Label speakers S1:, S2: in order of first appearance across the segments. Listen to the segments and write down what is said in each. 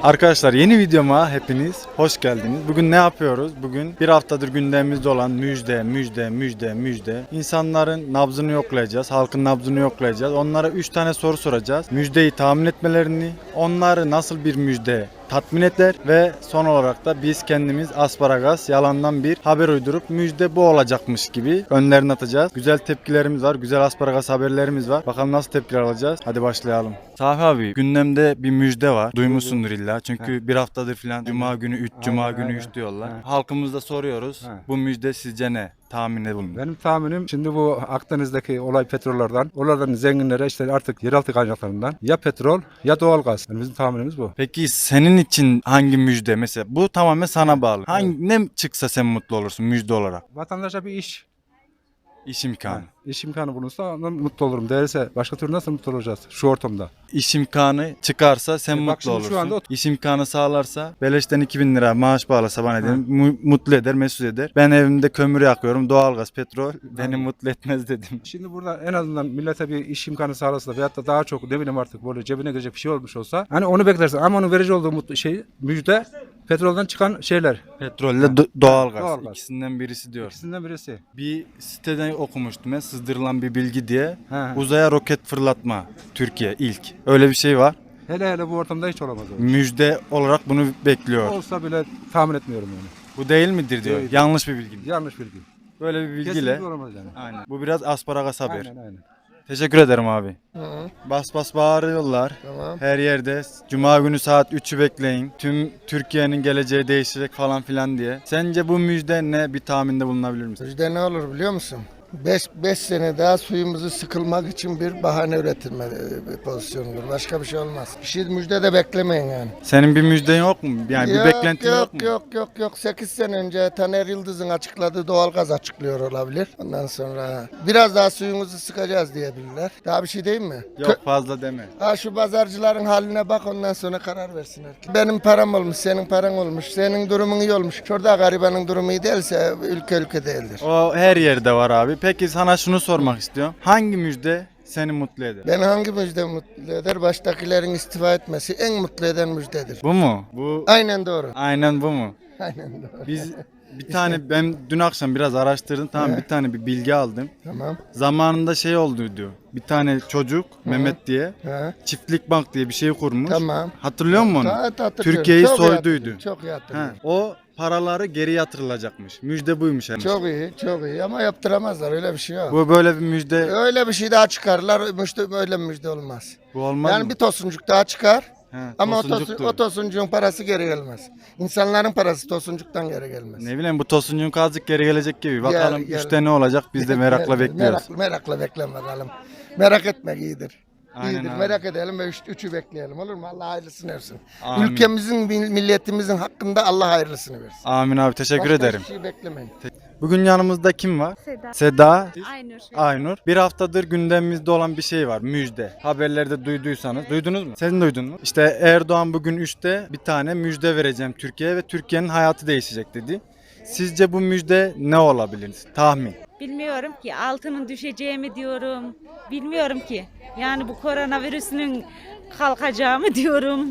S1: Arkadaşlar yeni videoma hepiniz hoş geldiniz. Bugün ne yapıyoruz? Bugün bir haftadır gündemimizde olan müjde. İnsanların nabzını yoklayacağız. Halkın nabzını yoklayacağız. Onlara 3 tane soru soracağız. Müjdeyi tahmin etmelerini, onları nasıl bir müjde tatmin eder ve son olarak da biz kendimiz asparagas yalandan bir haber uydurup müjde bu olacakmış gibi önlerine atacağız. Güzel tepkilerimiz var. Güzel asparagas haberlerimiz var. Bakalım nasıl tepkiler alacağız. Hadi başlayalım. Safi abi, gündemde bir müjde var. Duymuşsundur illa. Çünkü bir haftadır filan Cuma günü 3, Cuma günü 3 diyorlar. Halkımızda soruyoruz. Bu müjde sizce ne? Tahminde bulunun.
S2: Benim tahminim şimdi bu Akdeniz'deki olay petrollerden, oralardan zenginlere işte artık yeraltı kaynaklarından ya petrol ya doğalgaz. Yani bizim tahminimiz bu.
S1: Peki senin için hangi müjde? Mesela bu tamamen sana bağlı. Ne çıksa sen mutlu olursun müjde olarak?
S2: Vatandaşa bir iş,
S1: İş imkanı.
S2: iş imkanı bulunsa ondan mutlu olurum. Değilse başka türlü nasıl mutlu olacağız şu ortamda?
S1: İş imkanı çıkarsa sen
S2: Bak
S1: mutlu
S2: şimdi
S1: olursun.
S2: şu anda
S1: İş imkanı sağlarsa beleşten 2000 lira maaş bağlasa bana dedim mutlu eder, mesut eder. Ben evimde kömür yakıyorum, doğalgaz, petrol beni mutlu etmez dedim.
S2: Şimdi burada en azından millete bir iş imkanı sağlasa veyahut da daha çok ne bileyim artık böyle cebine girecek bir şey olmuş olsa hani onu beklersin ama onun verici olduğu müjde petrolden çıkan şeyler.
S1: Petrolle doğalgaz.
S2: Doğalgaz.
S1: İkisinden birisi diyor.
S2: İkisinden birisi.
S1: Bir siteden okumuştum ben, sızdırılan bir bilgi diye.
S2: He.
S1: Uzaya roket fırlatma Türkiye ilk. Öyle bir şey var.
S2: Hele bu ortamda hiç olamaz.
S1: Müjde olarak bunu bekliyor.
S2: Olsa bile tahmin etmiyorum yani.
S1: Bu değil midir diyor.
S2: Değil.
S1: Yanlış bir bilgi.
S2: Yanlış bilgi.
S1: Böyle bir bilgiyle.
S2: Kesinlikle olamaz yani.
S1: Aynen. Bu biraz asparagas haber.
S2: Aynen.
S1: Teşekkür ederim abi.
S3: Hı,
S1: Bas bas bağırıyorlar.
S3: tamam.
S1: Her yerde. Cuma günü saat 3'ü bekleyin. Tüm Türkiye'nin geleceği değişecek falan filan diye. Sence bu müjde ne? Bir tahminde bulunabilir misin?
S3: Müjde ne olur biliyor musun? 5 sene daha suyumuzu sıkılmak için bir bahane üretilme pozisyonudur. Başka bir şey olmaz. Bir şey müjde de beklemeyin yani.
S1: Senin bir müjden yok mu? Yani bir beklentin yok mu?
S3: Yok. 8 sene önce Taner Yıldız'ın açıkladığı doğalgaz açıklıyor olabilir. Ondan sonra biraz daha suyumuzu sıkacağız diyebilirler. Daha bir şey değil mi?
S1: Yok, fazla deme.
S3: Şu pazarcıların haline bak, ondan sonra karar versinler. Benim param olmuş, senin paran olmuş, senin durumun iyi olmuş. Şurada garibanın durumu iyi değilse ülke değildir.
S1: O her yerde var abi. Peki sana şunu sormak istiyorum. Hangi müjde seni mutlu eder?
S3: Ben hangi müjde mutlu eder? Baştakilerin istifa etmesi en mutlu eden müjdedir.
S1: Bu mu? Bu
S3: Aynen doğru.
S1: aynen bu mu?
S3: Aynen doğru.
S1: Biz bir tane ben dün akşam biraz araştırdım, tamam, bir tane bir bilgi aldım.
S3: Tamam.
S1: Zamanında şey oldu diyor. Bir tane çocuk Mehmet diye
S3: Ha.
S1: Çiftlik Bank diye bir şey kurmuş.
S3: Tamam.
S1: Hatırlıyor musun onu?
S3: Hatırlıyorum.
S1: Türkiye'yi
S3: Çok iyi
S1: soyduydu.
S3: hatırlıyorum, Çok iyi
S1: Ha,
S3: hatırlıyorum.
S1: o paraları geri yatırılacakmış. Müjde buymuş yani.
S3: Çok iyi ama yaptıramazlar, öyle bir şey yok.
S1: Bu böyle bir müjde.
S3: Öyle bir şey daha çıkarlar, öyle bir müjde olmaz.
S1: Bu olmaz
S3: Yani
S1: mı?
S3: bir tosuncuk daha çıkar.
S1: He,
S3: Ama
S1: tosuncuktur.
S3: o tosuncuğun parası geri gelmez. İnsanların parası tosuncuktan geri gelmez.
S1: Ne bileyim, bu tosuncun azıcık geri gelecek gibi. Bakalım
S3: Gel.
S1: üçte ne olacak, biz de merakla bekliyoruz.
S3: Merakla bekle bakalım. Merak etmek iyidir.
S1: Aynen
S3: İyidir.
S1: abi.
S3: Merak edelim ve üçü bekleyelim, olur mu? Allah hayırlısını versin.
S1: Amin.
S3: Ülkemizin, milletimizin hakkında Allah hayırlısını versin.
S1: Amin abi, teşekkür
S3: Başka
S1: ederim.
S3: hiçbir şey beklemeyin.
S1: Bugün yanımızda kim var?
S4: Seda.
S1: Seda,
S4: Aynur.
S1: Aynur. Bir haftadır gündemimizde olan bir şey var. Müjde. Haberlerde duyduysanız. Duydunuz mu? Sen duydun mu? İşte Erdoğan bugün 3'te bir tane müjde vereceğim Türkiye'ye ve Türkiye'nin hayatı değişecek dedi. Sizce bu müjde ne olabilir? Tahmin.
S4: Bilmiyorum ki, altının düşeceği mi diyorum. Bilmiyorum ki. Yani bu koronavirüsünün kalkacağı mı diyorum.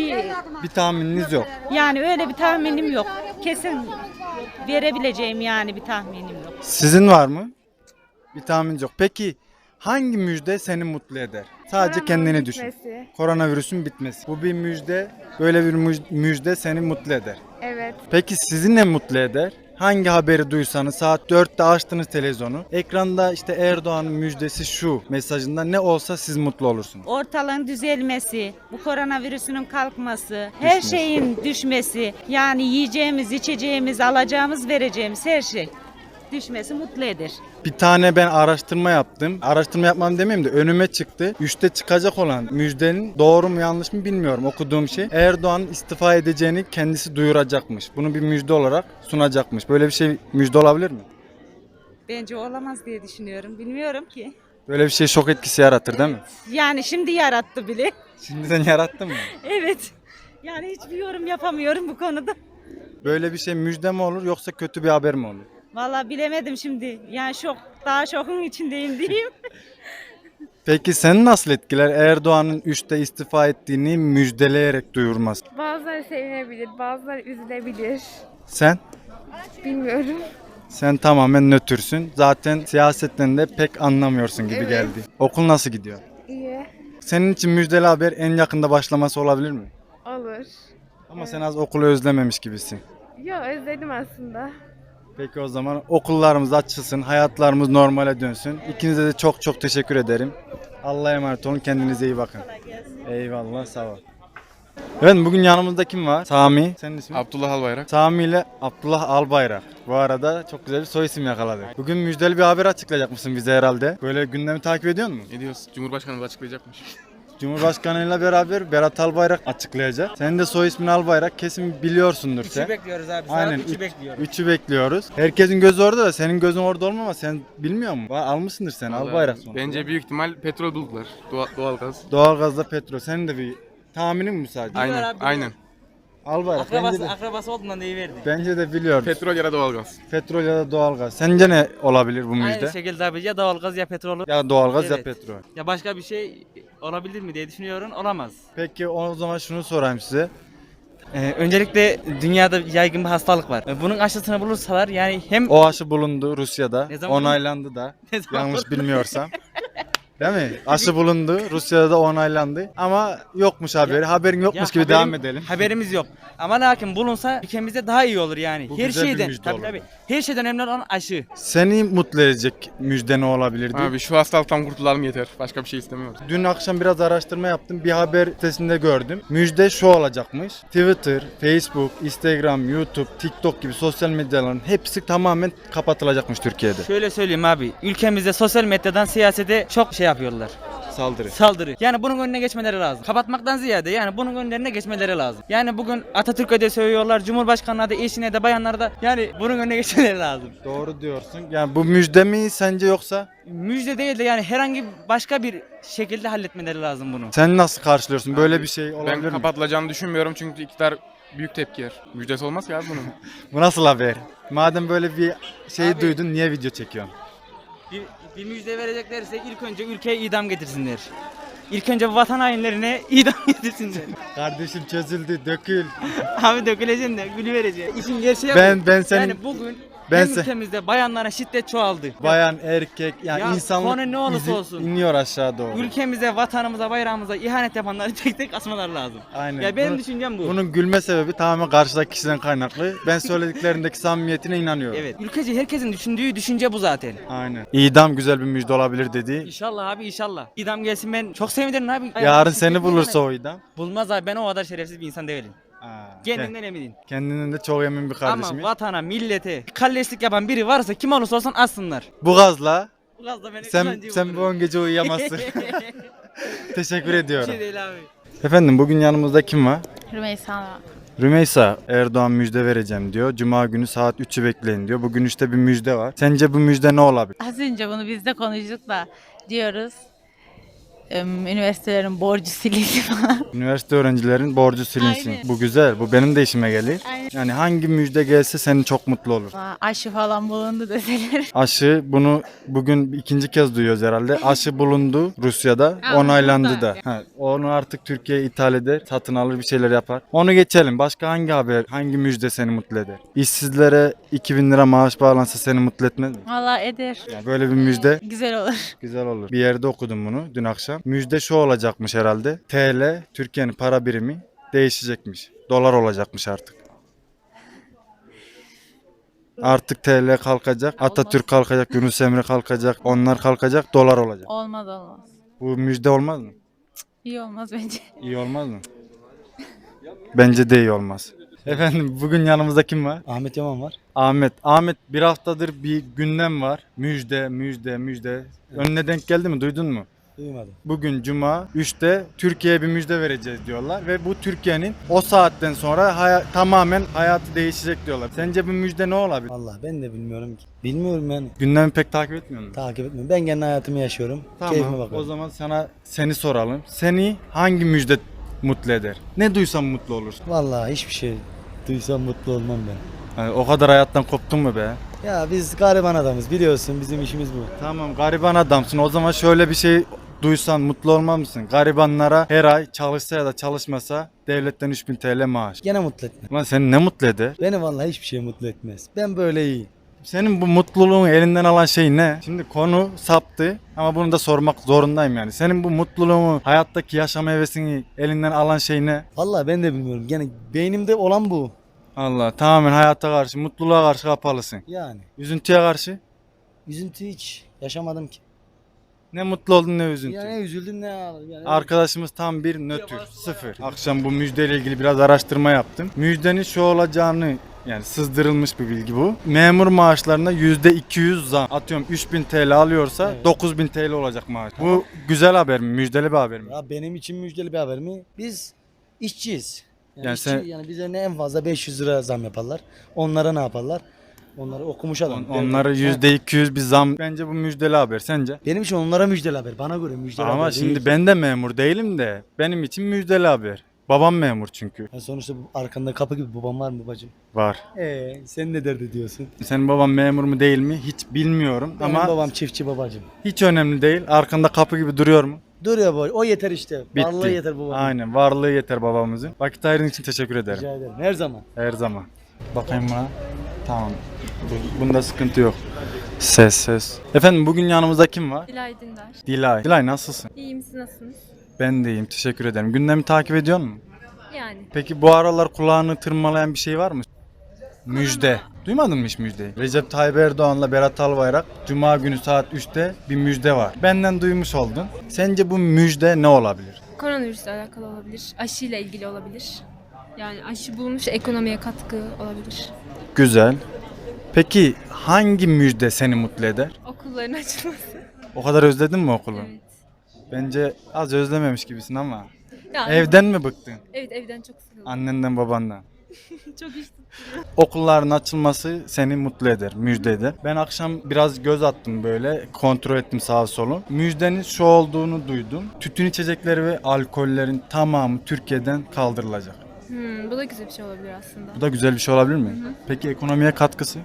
S1: Bir tahmininiz yok.
S4: Yani öyle bir tahminim yok. Kesin verebileceğim yani bir tahminim yok.
S1: Sizin var mı? Bir tahmininiz yok. Peki hangi müjde seni mutlu eder? Sadece kendini düşün. Koronavirüsün bitmesi. Bu bir müjde. Böyle bir müjde seni mutlu eder.
S4: Evet.
S1: Peki sizi ne mutlu eder? Hangi haberi duysanız saat 4'te açtınız televizyonu. Ekranda işte Erdoğan'ın müjdesi şu mesajında ne olsa siz mutlu olursunuz.
S4: Ortalığın düzelmesi, bu koronavirüsünün kalkması, her şeyin düşmesi, yani yiyeceğimiz, içeceğimiz, alacağımız, vereceğimiz her şey düşmesi mutlu eder.
S1: Bir tane ben araştırma yaptım. Araştırma yapmam demeyeyim de önüme çıktı. 3'te çıkacak olan müjdenin doğru mu yanlış mı bilmiyorum, okuduğum şey. Erdoğan istifa edeceğini kendisi duyuracakmış. Bunu bir müjde olarak sunacakmış. Böyle bir şey müjde olabilir mi?
S4: Bence olamaz diye düşünüyorum. Bilmiyorum ki.
S1: Böyle bir şey şok etkisi yaratır değil mi?
S4: Yani şimdi yarattı bile.
S1: Şimdiden yarattı mı?
S4: Evet. Yani hiçbir yorum yapamıyorum bu konuda.
S1: Böyle bir şey müjde mi olur yoksa kötü bir haber mi olur?
S4: Vallahi bilemedim şimdi. Yani daha şokun içindeyim diyeyim.
S1: Peki seni nasıl etkiler Erdoğan'ın 3'te istifa ettiğini müjdeleyerek duyurması?
S5: Bazıları sevinebilir, bazıları üzülebilir.
S1: Sen?
S5: Bilmiyorum.
S1: Sen tamamen nötrsün. Zaten siyasetten de pek anlamıyorsun gibi
S5: Evet.
S1: geldi. Okul nasıl gidiyor?
S5: İyi.
S1: Senin için müjdeli haber en yakında başlaması olabilir mi?
S5: Olur.
S1: Ama sen az okulu özlememiş gibisin.
S5: Yo, özledim aslında.
S1: Peki o zaman okullarımız açılsın, hayatlarımız normale dönsün. İkinize de çok çok teşekkür ederim. Allah'a emanet olun, kendinize iyi bakın. Eyvallah, sağ ol. Evet, bugün yanımızda kim var? Sami. Senin ismin?
S6: Abdullah Albayrak.
S1: Sami ile Abdullah Albayrak. Bu arada çok güzel bir soy isim yakaladık. Bugün müjdeli bir haber açıklayacak mısın bize herhalde? Böyle gündemi takip ediyor musun?
S6: Ediyoruz. Cumhurbaşkanımız açıklayacakmış.
S1: Cumhurbaşkanıyla beraber Berat Albayrak açıklayacak. Senin de soy ismin Albayrak, kesin biliyorsundur sen.
S7: 3'ü bekliyoruz abi.
S1: Aynen,
S7: Saat 3'ü bekliyoruz.
S1: 3'ü bekliyoruz. Herkesin gözü orada da senin gözün orada olmama, sen bilmiyor musun? Almışsındır sen
S6: Vallahi
S1: Albayrak sonuçta.
S6: Bence büyük ihtimal petrol buldular. Doğalgaz.
S1: Doğalgazda petrol. Senin de bir tahminin mi sadece?
S6: Aynen.
S7: abi,
S6: Aynen.
S1: Albayrak bence de,
S7: Akrabası olduğundan deyiverdi.
S1: bence de biliyor.
S6: Petrol ya da doğalgaz.
S1: Petrol ya da doğalgaz. Sence ne olabilir bu müjde?
S7: Aynı şekilde abi ya doğalgaz ya petrol.
S1: Ya doğalgaz ya
S7: Evet.
S1: petrol.
S7: Ya başka bir şey olabilir mi diye düşünüyorum. Olamaz.
S1: Peki o zaman şunu sorayım size.
S7: Öncelikle dünyada yaygın bir hastalık var. Bunun aşısını bulursalar yani hem
S1: O aşı bulundu Rusya'da.
S7: Ne zaman
S1: Onaylandı da.
S7: Ne zaman
S1: Yanlış bilmiyorsam. Değil mi? Aşı bulundu. Rusya'da da onaylandı. Ama yokmuş haberi. Haberin yokmuş gibi devam edelim.
S7: Haberimiz yok. Ama lakin bulunsa ülkemizde daha iyi olur yani.
S1: Bu
S7: Her
S1: güzel bir
S7: şeyden
S1: müjde
S7: tabii
S1: olur.
S7: tabii. Her şeyden önemli olan aşı.
S1: Seni mutlu edecek müjde ne olabilirdi?
S6: Abi şu hastalıktan kurtulalım yeter. Başka bir şey istemiyoruz.
S1: Dün akşam biraz araştırma yaptım. Bir haber sitesinde gördüm. Müjde şu olacakmış. Twitter, Facebook, Instagram, YouTube, TikTok gibi sosyal medyaların hepsi tamamen kapatılacakmış Türkiye'de.
S7: Şöyle söyleyeyim abi. Ülkemizde sosyal medyadan siyasete çok şey yapıyorlar.
S1: Saldırı.
S7: Saldırı. Yani bunun önüne geçmeleri lazım. Kapatmaktan ziyade yani bunun önlerine geçmeleri lazım. Yani bugün Atatürk'e de söylüyorlar, Cumhurbaşkanı'na da, eşine de, bayanlara da yani bunun önüne geçmeleri lazım.
S1: Doğru diyorsun. Yani bu müjde mi sence yoksa?
S7: Müjde değil de yani herhangi başka bir şekilde halletmeleri lazım bunu.
S1: Sen nasıl karşılıyorsun? Böyle bir şey
S6: Ben
S1: olabilir mi?
S6: kapatılacağını düşünmüyorum çünkü iktidar büyük tepki yer. Müjdesi olmaz ki abi bunun.
S1: Bu nasıl haber? Madem böyle bir şey
S7: Abi-
S1: duydun niye video çekiyorsun?
S7: Bir müjde vereceklerse ilk önce ülkeye idam getirsinler. İlk önce vatan hainlerine idam getirsinler.
S1: Kardeşim çözüldü, dökül.
S7: Abi döküleceksin de gülü vereceksin. İşin gerçeği bu.
S1: Ben senin
S7: Yani bugün
S1: ben
S7: hem
S1: sen-
S7: ülkemizde bayanlara şiddet çoğaldı.
S1: bayan, erkek yani
S7: Ya
S1: insanlık
S7: konu ne olursa olsun.
S1: iniyor aşağı doğru.
S7: Ülkemize, vatanımıza, bayrağımıza ihanet yapanları tek tek asmaları lazım.
S1: Aynen.
S7: Ya benim
S1: Bunu-
S7: düşüncem bu.
S1: Bunun gülme sebebi tamamen karşıdaki kişiden kaynaklı. Ben söylediklerindeki samimiyetine inanıyorum.
S7: Evet. Ülkece herkesin düşündüğü düşünce bu zaten.
S1: Aynen. İdam güzel bir müjde olabilir dedi.
S7: İnşallah abi inşallah. İdam gelsin ben çok sevinirim abi.
S1: Yarın seni bulursa o idam.
S7: Bulmaz abi ben o kadar şerefsiz bir insan değilim. Kendimden eminim.
S1: Kendinden de çok emin bir kardeşim.
S7: Ama vatana, millete, kalleşlik yapan biri varsa kim olursa olsun assınlar.
S1: Bu gazla
S7: Bu gaz da beni
S1: sen bu 10 gece uyuyamazsın. Teşekkür
S7: Bir
S1: ediyorum.
S7: şey değil abi.
S1: Efendim bugün yanımızda kim var?
S8: Rümeysa.
S1: Rümeysa Erdoğan müjde vereceğim diyor. Cuma günü saat 3'ü bekleyin diyor. Bugün işte bir müjde var. Sence bu müjde ne olabilir?
S8: Az önce bunu biz de konuştuk da diyoruz. Üniversitelerin borcu silinsin falan.
S1: Üniversite öğrencilerin borcu silinsin.
S8: Aynen.
S1: Bu güzel. Bu benim de işime gelir.
S8: Aynen.
S1: Yani hangi müjde gelse senin çok mutlu olur.
S8: Aşı falan bulundu deseler.
S1: Aşı bunu bugün ikinci kez duyuyoruz herhalde. Aşı bulundu Rusya'da.
S8: Ama
S1: Onaylandı
S8: burada.
S1: da. Ha, onu artık Türkiye ithal eder. Satın alır bir şeyler yapar. Onu geçelim. Başka hangi haber, hangi müjde seni mutlu eder? İşsizlere 2000 lira maaş bağlansa seni mutlu etmez mi?
S8: Valla eder.
S1: Yani böyle bir müjde
S8: Güzel olur.
S1: güzel olur. Bir yerde okudum bunu dün akşam. Müjde şu olacakmış herhalde. TL, Türkiye'nin para birimi değişecekmiş. Dolar olacakmış artık. Artık TL kalkacak, Atatürk kalkacak, Yunus Emre kalkacak, onlar kalkacak, dolar olacak.
S8: Olmaz olmaz.
S1: Bu müjde olmaz mı?
S8: İyi olmaz bence.
S1: İyi olmaz mı? Bence de iyi olmaz. Efendim bugün yanımızda kim var?
S9: Ahmet Yaman var.
S1: Ahmet bir haftadır bir gündem var. Müjde, müjde, müjde. Önüne denk geldi mi? Duydun mu?
S9: Duymadım.
S1: Bugün Cuma 3'te Türkiye'ye bir müjde vereceğiz diyorlar ve bu Türkiye'nin o saatten sonra tamamen hayatı değişecek diyorlar. Sence bu müjde ne olabilir?
S9: Vallahi ben de bilmiyorum ki. Bilmiyorum yani.
S1: Gündemi pek takip etmiyor musun?
S9: Takip etmiyorum. Ben kendi hayatımı yaşıyorum. Keyfime
S1: Tamam.
S9: bakıyorum.
S1: O zaman seni soralım. Seni hangi müjde mutlu eder? Ne duysan mutlu olursun.
S9: Vallahi hiçbir şey duysam mutlu olmam ben.
S1: Yani o kadar hayattan koptun mu be?
S9: Ya biz gariban adamız biliyorsun bizim işimiz bu.
S1: Tamam gariban adamsın. O zaman şöyle bir şey duysan mutlu olmaz mısın? Garibanlara her ay çalışsa ya da çalışmasa devletten 3000 TL maaş.
S9: Gene mutlu etmez.
S1: Lan seni ne mutlu eder?
S9: Beni vallahi hiçbir şey mutlu etmez. Ben böyle iyiyim.
S1: Senin bu mutluluğun elinden alan şey ne? Şimdi konu saptı ama bunu da sormak zorundayım yani. Senin bu mutluluğunu, hayattaki yaşam hevesini elinden alan şey ne?
S9: Vallahi ben de bilmiyorum. Gene beynimde olan bu.
S1: Allah, tamamen hayata karşı, mutluluğa karşı kapalısın.
S9: Yani.
S1: Üzüntüye karşı
S9: Üzüntü hiç yaşamadım ki.
S1: ne mutlu oldun ne üzüntü.
S9: Ya ne üzüldüm ne ağladım. Yani
S1: Arkadaşımız tam bir nötr, sıfır. Akşam bu müjdeyle ilgili biraz araştırma yaptım. Müjdenin şu olacağını, yani sızdırılmış bir bilgi bu. Memur maaşlarına %200 zam. Atıyorum 3000 TL alıyorsa
S9: Evet.
S1: 9000 TL olacak maaş. Bu güzel haber mi? Müjdeli bir haber mi?
S9: Ya benim için müjdeli bir haber mi? Biz işçiyiz. Yani,
S1: Yani
S9: işçi,
S1: sen-
S9: yani bize ne en fazla 500 lira zam yaparlar. Onlara ne yaparlar? Onları okumuş adam.
S1: Onlara %200 bir zam. Bence bu müjdeli haber. Sence?
S9: Benim için onlara müjdeli haber. Bana göre müjdeli
S1: Ama
S9: haber
S1: şimdi
S9: değil.
S1: ben de memur değilim de benim için müjdeli haber. Babam memur çünkü.
S9: Ya sonuçta arkanda kapı gibi babam var mı babacığım?
S1: Var.
S9: Sen ne derdi diyorsun?
S1: Senin baban memur mu değil mi hiç bilmiyorum
S9: Benim
S1: ama
S9: babam çiftçi babacığım.
S1: hiç önemli değil. Arkanda kapı gibi duruyor mu?
S9: Duruyor baba. O yeter işte.
S1: Bitti.
S9: Varlığı yeter babam.
S1: Aynen, varlığı yeter babamızın. Vakit ayırdığın için teşekkür ederim.
S9: Rica ederim. Her zaman.
S1: Her zaman. Bakayım buna. Tamam. Bunda sıkıntı yok. Ses. Efendim bugün yanımızda kim var?
S5: Dilay Dündar.
S1: Dilay. Dilay nasılsın?
S5: İyiyim, siz nasılsınız?
S1: Ben de iyiyim. Teşekkür ederim. Gündemi takip ediyor musun?
S5: Yani.
S1: Peki bu aralar kulağını tırmalayan bir şey var mı? Müjde. Duymadın mı hiç müjdeyi? Recep Tayyip Erdoğan'la Berat Albayrak Cuma günü saat 3'te bir müjde var. Benden duymuş oldun. Sence bu müjde ne olabilir?
S5: Koronavirüsle alakalı olabilir. Aşıyla ilgili olabilir. Yani aşı bulmuş, ekonomiye katkı olabilir.
S1: Güzel. Peki hangi müjde seni mutlu eder?
S5: Okulların açılması.
S1: O kadar özledin mi okulu?
S5: Evet.
S1: Bence az özlememiş gibisin ama.
S5: Ya,
S1: Evden mi bıktın?
S5: Evet, evden çok sıkıldım.
S1: Annenden babandan.
S5: Çok iş
S1: Okulların açılması seni mutlu eder, müjde eder. Ben akşam biraz göz attım böyle, kontrol ettim sağa solu. Müjdenin şu olduğunu duydum. Tütün içecekleri ve alkollerin tamamı Türkiye'den kaldırılacak.
S5: Bu da güzel bir şey olabilir aslında.
S1: Bu da güzel bir şey olabilir mi? Peki ekonomiye katkısı?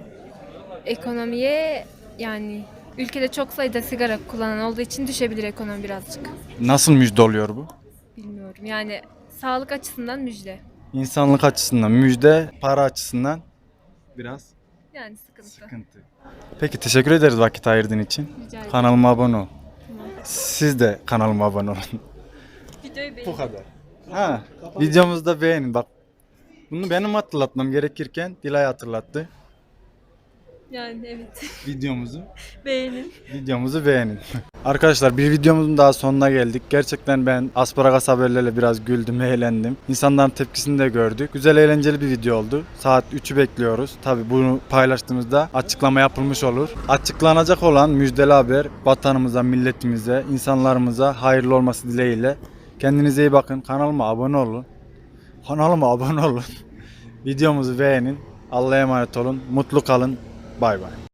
S5: Ekonomiye yani ülkede çok sayıda sigara kullanan olduğu için düşebilir ekonomi birazcık.
S1: Nasıl müjde oluyor bu?
S5: Bilmiyorum. Yani sağlık açısından müjde.
S1: İnsanlık açısından müjde, para açısından biraz
S5: Yani sıkıntı.
S1: sıkıntı. Peki teşekkür ederiz vakit ayırdığın için.
S5: Rica ederim.
S1: Kanalıma abone ol.
S5: Tamam.
S1: Siz de kanalıma abone olun.
S5: Videoyu
S1: Bu kadar. Ha, videomuzu da beğenin bak. Bunu benim hatırlatmam gerekirken Dilay hatırlattı.
S5: Yani evet.
S1: Videomuzu
S5: Beğenin.
S1: Arkadaşlar bir videomuzun daha sonuna geldik. Gerçekten ben asparagas haberlerle biraz güldüm, eğlendim. İnsanların tepkisini de gördük. Güzel eğlenceli bir video oldu. Saat 3'ü bekliyoruz. Tabi bunu paylaştığımızda açıklama yapılmış olur. Açıklanacak olan müjdeli haber vatanımıza, milletimize, insanlarımıza hayırlı olması dileğiyle. Kendinize iyi bakın. Kanalıma abone olun. Videomuzu beğenin. Allah'a emanet olun. Mutlu kalın. Bay bay.